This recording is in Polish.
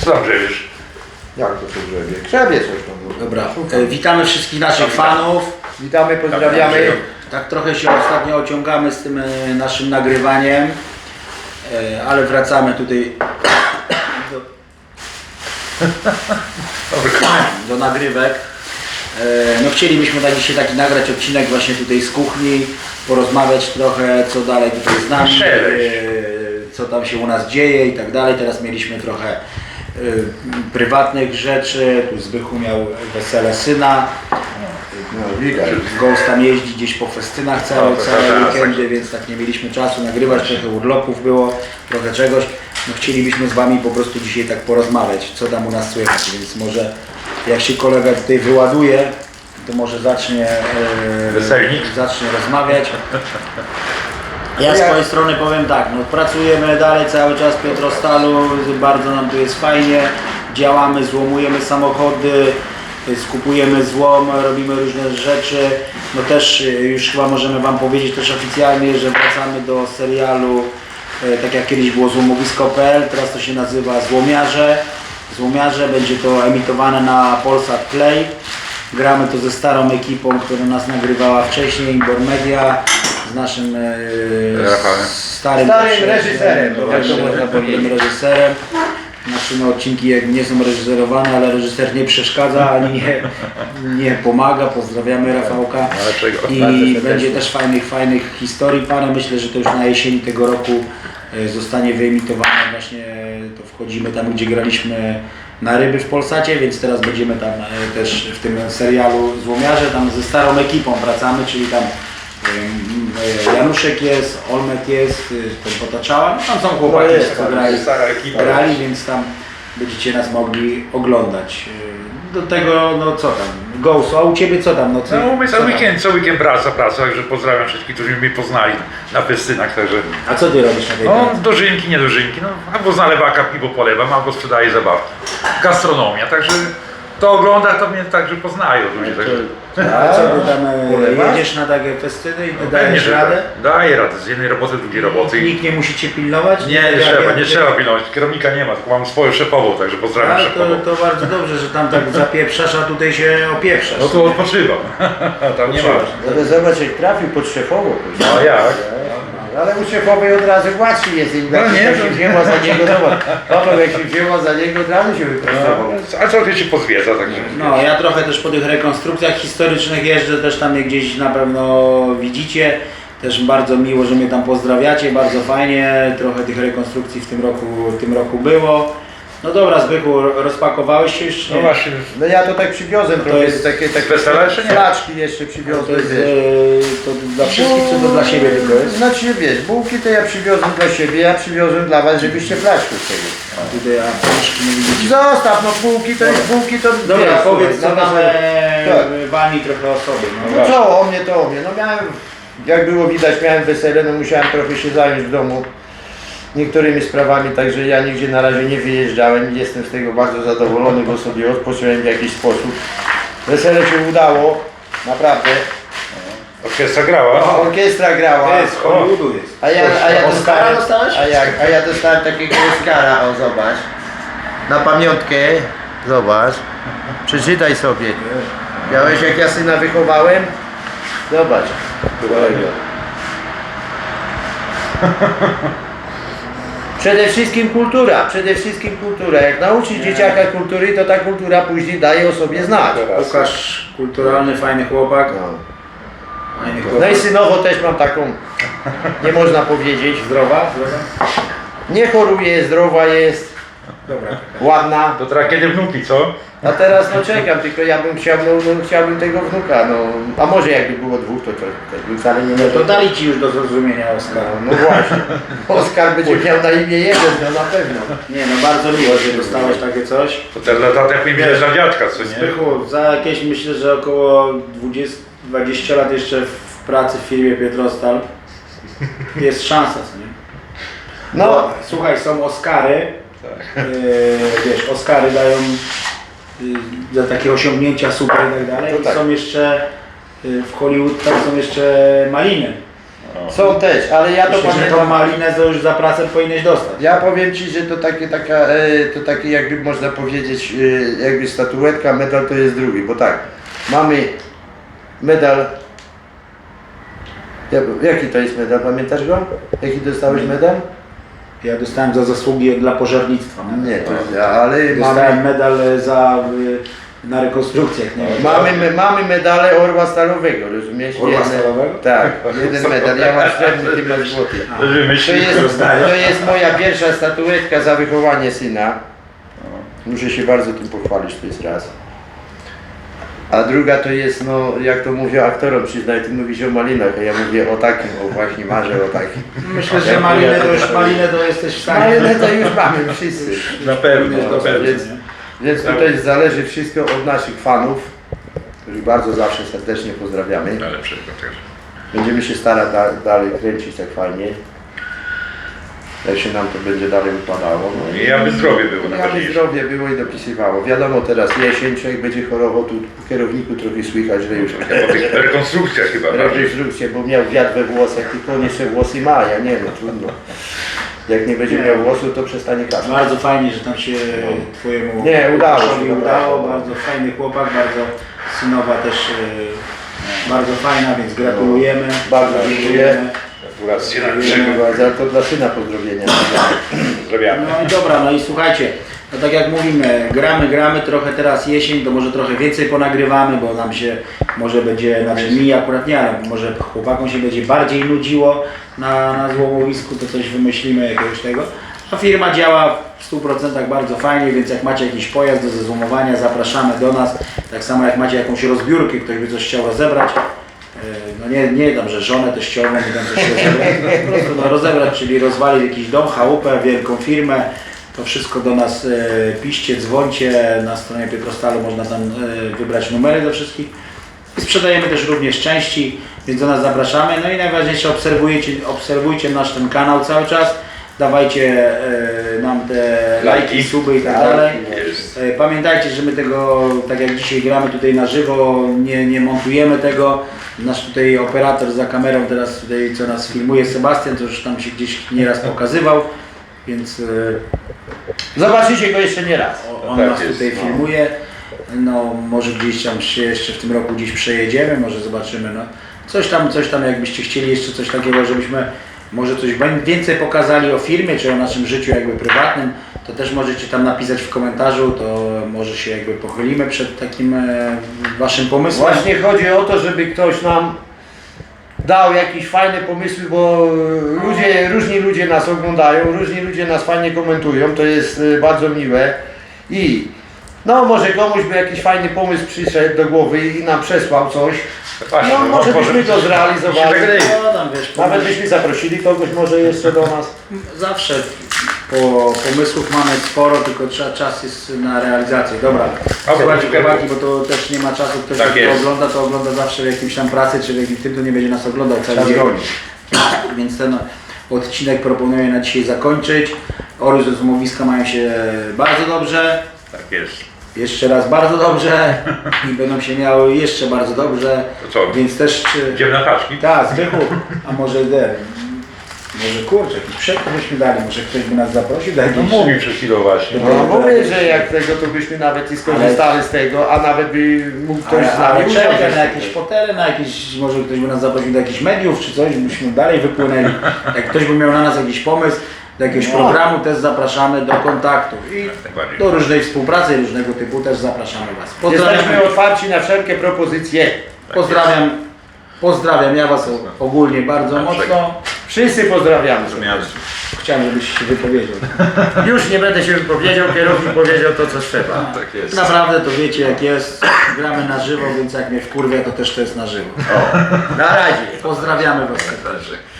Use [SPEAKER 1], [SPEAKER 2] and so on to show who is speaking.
[SPEAKER 1] Co tam grzebiesz?
[SPEAKER 2] Jak to się grzebie? Grzebie coś tam.
[SPEAKER 3] Dobra, witamy wszystkich naszych fanów.
[SPEAKER 2] Witamy, pozdrawiamy.
[SPEAKER 3] Tak trochę się ostatnio ociągamy z tym naszym nagrywaniem, ale wracamy tutaj do nagrywek. No chcielibyśmy na dzisiaj taki nagrać odcinek właśnie tutaj z kuchni, porozmawiać trochę co dalej tutaj z nami, co tam się u nas dzieje i tak dalej. Teraz mieliśmy trochę prywatnych rzeczy, tu Zbychu miał wesele syna.
[SPEAKER 2] No widać.
[SPEAKER 3] Ghost tam jeździ gdzieś po festynach całe weekendy, więc tak nie mieliśmy czasu nagrywać, trochę urlopów było, trochę czegoś. No chcielibyśmy z Wami po prostu dzisiaj tak porozmawiać, co tam u nas słychać, więc może jak się kolega tutaj wyładuje, to może zacznie rozmawiać. Ja z swojej strony powiem tak, no pracujemy dalej cały czas w Piotrostalu, bardzo nam tu jest fajnie, działamy, złomujemy samochody, skupujemy złom, robimy różne rzeczy. No też już chyba możemy Wam powiedzieć też oficjalnie, że wracamy do serialu, tak jak kiedyś było złomowisko.pl, teraz to się nazywa Złomiarze. Złomiarze, będzie to emitowane na Polsat Play. Gramy to ze starą ekipą, która nas nagrywała wcześniej, Imbor Media, z naszym starym
[SPEAKER 2] reżyserem, jak to można powiedzieć.
[SPEAKER 3] Reżyserem. Nasze odcinki nie są reżyserowane, ale reżyser nie przeszkadza ani nie pomaga. Pozdrawiamy Rafałka. I będzie też fajnych historii parę. Myślę, że to już na jesieni tego roku zostanie wyemitowane. Właśnie to wchodzimy tam, gdzie graliśmy na ryby w Polsacie, więc teraz będziemy tam też w tym serialu Złomiarze, tam ze starą ekipą wracamy, czyli tam Januszek jest, Olmet jest, ten Potaczała, no tam są chłopaki, co grali, więc tam będziecie nas mogli oglądać. Do tego, no co tam, Ghost, a u Ciebie co tam?
[SPEAKER 1] No my co weekend praca, także pozdrawiam wszystkich, którzy mnie poznali na festynach, także...
[SPEAKER 3] A co Ty robisz na tej
[SPEAKER 1] No
[SPEAKER 3] pracy?
[SPEAKER 1] dożynki, nie dożynki, no albo z nalewaka piwo polewam, albo sprzedaję zabawki. Gastronomia, także to ogląda, to mnie także poznają ludzie, także...
[SPEAKER 3] A co Ty tam jedziesz na takie festyny i
[SPEAKER 1] Pewnie,
[SPEAKER 3] dajesz
[SPEAKER 1] że
[SPEAKER 3] radę?
[SPEAKER 1] daję radę, z jednej roboty, z drugiej roboty.
[SPEAKER 3] Nikt nie musi Cię pilnować?
[SPEAKER 1] Nie trzeba pilnować, kierownika nie ma, tylko mam swoją szefową, także pozdrawiam szefową.
[SPEAKER 3] To bardzo dobrze, że tam tak zapieprzasz, a tutaj się opieprzasz.
[SPEAKER 1] No to odpoczywam, tam nie ma.
[SPEAKER 2] Ale zobacz, jak trafił pod szefową.
[SPEAKER 1] No jak?
[SPEAKER 2] Ale u szefowej od razu łatwiej jest, jak się wzięła za niego, zobacz. Paweł, jak się wzięła za niego, od razu się wyprostował.
[SPEAKER 1] A trochę się pozwiedza, także...
[SPEAKER 3] No, ja trochę też po tych rekonstrukcjach historycznych jeżdżę, też tam mnie gdzieś na pewno widzicie. Też bardzo miło, że mnie tam pozdrawiacie, bardzo fajnie. Trochę tych rekonstrukcji w tym roku było. No dobra, Zbychu, rozpakowałeś się już?
[SPEAKER 1] No właśnie.
[SPEAKER 2] No ja to tak przywiozłem,
[SPEAKER 3] To
[SPEAKER 2] trochę
[SPEAKER 3] jest
[SPEAKER 2] takie
[SPEAKER 1] wesele, czy nie?
[SPEAKER 2] flaczki jeszcze
[SPEAKER 3] To
[SPEAKER 2] przywiozłem,
[SPEAKER 3] jest
[SPEAKER 2] wiesz.
[SPEAKER 3] to dla wszystkich, czy to dla siebie tylko jest?
[SPEAKER 2] Znaczy, wiesz, bułki to ja przywiozłem dla siebie, ja przywiozłem dla was, żebyście flaczki chcieli.
[SPEAKER 3] A tutaj apteczki nie widzicie.
[SPEAKER 2] Zostaw, no bułki to
[SPEAKER 3] Dobra,
[SPEAKER 2] wiesz,
[SPEAKER 3] powiedz co
[SPEAKER 2] słuchaj,
[SPEAKER 3] tam
[SPEAKER 2] tak.
[SPEAKER 3] Wani trochę o sobie.
[SPEAKER 2] No co, o mnie. No miałem, jak było widać, miałem wesele, no musiałem trochę się zająć w domu niektórymi sprawami, także ja nigdzie na razie nie wyjeżdżałem i jestem z tego bardzo zadowolony, bo sobie odpocząłem w jakiś sposób. Wesele się udało, naprawdę.
[SPEAKER 1] Orkiestra grała?
[SPEAKER 2] Orkiestra grała.
[SPEAKER 3] To jest, z Hollywoodu jest.
[SPEAKER 2] Oscara
[SPEAKER 3] dostałeś?
[SPEAKER 2] A ja dostałem takiego Oscara, o zobacz. Na pamiątkę, zobacz. Przeczytaj sobie. Widziałeś, jak ja syna wychowałem? Zobacz. Przede wszystkim kultura. Jak nauczyć dzieciaka kultury, to ta kultura później daje o sobie znać.
[SPEAKER 3] Łukasz, kulturalny, fajny chłopak. Fajny
[SPEAKER 2] No
[SPEAKER 3] chłopak.
[SPEAKER 2] i synowo też mam taką, nie można powiedzieć.
[SPEAKER 3] Zdrowa?
[SPEAKER 2] Nie choruje, zdrowa jest,
[SPEAKER 3] Dobra.
[SPEAKER 2] ładna.
[SPEAKER 1] To teraz kiedy wnuki, co?
[SPEAKER 2] A teraz no czekam, tylko ja bym chciał, chciałbym tego wnuka, no. A może jakby było dwóch, to bym wcale nie
[SPEAKER 3] No
[SPEAKER 2] miał.
[SPEAKER 3] to dali Ci już do zrozumienia Oskara.
[SPEAKER 2] No właśnie. Oskar będzie miał na imię jeden, no na pewno.
[SPEAKER 3] Nie no, bardzo miło, że dostałeś takie coś.
[SPEAKER 1] To ten lata jak mi widać dla dziadka, co nie?
[SPEAKER 3] Zbychu, za jakieś myślę, że około 20 lat jeszcze w pracy w firmie Pietrostal jest szansa, co nie?
[SPEAKER 2] No.
[SPEAKER 3] Bo, słuchaj, są Oscary, wiesz, Oscary dają za takie osiągnięcia super i tak dalej.
[SPEAKER 2] No tak.
[SPEAKER 3] Są jeszcze w Hollywood, tam są jeszcze maliny.
[SPEAKER 2] Są też, ale ja to
[SPEAKER 3] Myślę, że tą
[SPEAKER 2] pamiętam.
[SPEAKER 3] malinę to już za pracę powinieneś dostać.
[SPEAKER 2] Ja powiem Ci, że to takie jakby można powiedzieć, jakby statuetka, medal to jest drugi, bo tak, mamy medal, jaki to jest medal, pamiętasz go? Jaki dostałeś medal?
[SPEAKER 3] Ja dostałem za zasługi dla pożarnictwa.
[SPEAKER 2] Nie, to jest, ale
[SPEAKER 3] Dostałem
[SPEAKER 2] mamy,
[SPEAKER 3] medal na rekonstrukcjach. Nie wiem.
[SPEAKER 2] mamy medale Orła Stalowego, rozumiesz?
[SPEAKER 3] Orła
[SPEAKER 2] Jeden-
[SPEAKER 3] Stalowego?
[SPEAKER 2] Tak, jeden medal, ja mam srebrny, ty masz złoty. To
[SPEAKER 1] Myśli,
[SPEAKER 2] jest moja pierwsza statuetka za wychowanie syna. Muszę się bardzo tym pochwalić, to jest raz. A druga to jest, no jak to mówię aktorom, przyznaj, ty mówisz o malinach, a ja mówię o takim, o właśnie marzę o takim.
[SPEAKER 3] Myślę, że malinę to jesteś w stanie.
[SPEAKER 2] Malinę to już mamy wszyscy.
[SPEAKER 1] na pewno,
[SPEAKER 3] Powinieneś
[SPEAKER 1] na
[SPEAKER 3] dostać,
[SPEAKER 1] pewno.
[SPEAKER 2] Więc, więc tutaj zależy wszystko od naszych fanów, których bardzo zawsze serdecznie pozdrawiamy.
[SPEAKER 1] Najlepszego też.
[SPEAKER 2] Będziemy się starać dalej kręcić tak fajnie. Jak się nam to będzie dalej upadało. No
[SPEAKER 1] I aby zdrowie było
[SPEAKER 2] aby
[SPEAKER 1] najważniejsze.
[SPEAKER 2] zdrowie było i dopisywało. Wiadomo teraz jesień, człowiek będzie chorował, tu po kierowniku trochę słychać, że już
[SPEAKER 1] Po tych rekonstrukcjach chyba bardziej.
[SPEAKER 2] rekonstrukcję, bo miał wiatr we włosach, tylko on jeszcze włosy ma, ja nie wiem, trudno. Jak nie będzie miał włosów, to przestanie kaszleć.
[SPEAKER 3] Bardzo fajnie, że tam się twojemu
[SPEAKER 2] Nie, udało się,
[SPEAKER 3] chłopcowi
[SPEAKER 2] naprawdę.
[SPEAKER 3] udało. Bardzo fajny chłopak, bardzo synowa też bardzo fajna, więc gratulujemy.
[SPEAKER 2] Bardzo dziękuję.
[SPEAKER 1] Gratulacje na
[SPEAKER 2] Za to dla syna pozdrowienia.
[SPEAKER 1] Pozdrawiamy.
[SPEAKER 3] No i dobra, no i słuchajcie, no tak jak mówimy, gramy, trochę teraz jesień, to może trochę więcej ponagrywamy, bo nam się może będzie, znaczy mi akurat nie, ale może chłopakom się będzie bardziej nudziło na złomowisku, to coś wymyślimy jakiegoś tego. A firma działa w 100% bardzo fajnie, więc jak macie jakiś pojazd do zezłomowania, zapraszamy do nas. Tak samo jak macie jakąś rozbiórkę, ktoś by coś chciał rozebrać. No nie tam, że żonę też ściągnę, by tam coś rozebrać, po prostu no, rozebrać, czyli rozwalić jakiś dom, chałupę, wielką firmę, to wszystko do nas piszcie, dzwońcie, na stronie Pietrostalu można tam wybrać numery do wszystkich. I sprzedajemy też również części, więc do nas zapraszamy. No i najważniejsze, obserwujcie nasz ten kanał cały czas, dawajcie nam te lajki, suby i tak dalej.
[SPEAKER 1] Jest.
[SPEAKER 3] Pamiętajcie, że my tego, tak jak dzisiaj gramy tutaj na żywo, nie montujemy tego. Nasz tutaj operator za kamerą teraz tutaj, co nas filmuje, Sebastian, to już tam się gdzieś nieraz pokazywał, więc
[SPEAKER 2] Zobaczycie go jeszcze nie raz.
[SPEAKER 3] on
[SPEAKER 1] Tak
[SPEAKER 3] nas
[SPEAKER 1] jest,
[SPEAKER 3] tutaj
[SPEAKER 1] no.
[SPEAKER 3] filmuje. No może gdzieś tam się jeszcze w tym roku gdzieś przejedziemy, może zobaczymy. No. Coś tam jakbyście chcieli jeszcze coś takiego, żebyśmy może coś więcej pokazali o firmie, czy o naszym życiu jakby prywatnym, to też możecie tam napisać w komentarzu, to może się jakby pochylimy przed takim waszym pomysłem.
[SPEAKER 2] Właśnie chodzi o to, żeby ktoś nam dał jakieś fajne pomysły, bo różni ludzie nas oglądają, różni ludzie nas fajnie komentują, to jest bardzo miłe i no może komuś by jakiś fajny pomysł przyszedł do głowy i nam przesłał coś,
[SPEAKER 1] Właśnie,
[SPEAKER 2] no może byśmy to zrealizowali,
[SPEAKER 3] No, tam, wiesz,
[SPEAKER 2] nawet byśmy zaprosili kogoś może jeszcze do nas.
[SPEAKER 3] zawsze pomysłów mamy sporo, tylko czas jest na realizację. Dobra, słuchajcie chłopaki, bo to też nie ma czasu, ktoś
[SPEAKER 1] Tak
[SPEAKER 3] jak to
[SPEAKER 1] jest.
[SPEAKER 3] ogląda, to ogląda zawsze w jakimś tam pracy, czy w jakimś tym, to nie będzie nas oglądał cały
[SPEAKER 2] Czas
[SPEAKER 3] dzień.
[SPEAKER 2] goni.
[SPEAKER 3] Więc ten odcinek proponuję na dzisiaj zakończyć. Ory ze złomowiska mają się bardzo dobrze,
[SPEAKER 1] Tak jest.
[SPEAKER 3] jeszcze raz bardzo dobrze i będą się miały jeszcze bardzo dobrze,
[SPEAKER 1] To co?
[SPEAKER 3] więc też...
[SPEAKER 1] Idziemy na paczki?
[SPEAKER 3] Tak, Zbychu, a może może kurczę, jakiś przekrój byśmy dali, może ktoś by nas zaprosił do
[SPEAKER 1] No
[SPEAKER 3] jakiejś...
[SPEAKER 1] mówił przed chwilą właśnie.
[SPEAKER 2] No mówię, że jak tego to byśmy nawet i skorzystali z tego, a nawet by mógł ktoś z
[SPEAKER 3] Ale
[SPEAKER 2] nami
[SPEAKER 3] czekaj,
[SPEAKER 2] usiąść.
[SPEAKER 3] na jakieś fotele, na jakieś, może ktoś by nas zaprosił do jakichś mediów czy coś, byśmy dalej wypłynęli. Jak ktoś by miał na nas jakiś pomysł, do jakiegoś
[SPEAKER 2] No.
[SPEAKER 3] programu też zapraszamy do kontaktu i
[SPEAKER 1] najbardziej.
[SPEAKER 3] do różnej współpracy różnego typu też zapraszamy Was. Pozdrawiam,
[SPEAKER 2] Jesteśmy otwarci na wszelkie propozycje.
[SPEAKER 3] pozdrawiam ja Was ogólnie bardzo mocno.
[SPEAKER 2] Wszyscy pozdrawiamy.
[SPEAKER 3] Chciałem, żebyś się wypowiedział.
[SPEAKER 2] Już nie będę się wypowiedział, kierownik powiedział to, co trzeba.
[SPEAKER 1] Tak jest.
[SPEAKER 3] Naprawdę to wiecie jak jest, gramy na żywo, więc jak mnie wkurwia, to też to jest na żywo.
[SPEAKER 2] Na razie.
[SPEAKER 3] Pozdrawiamy Was.
[SPEAKER 1] Także.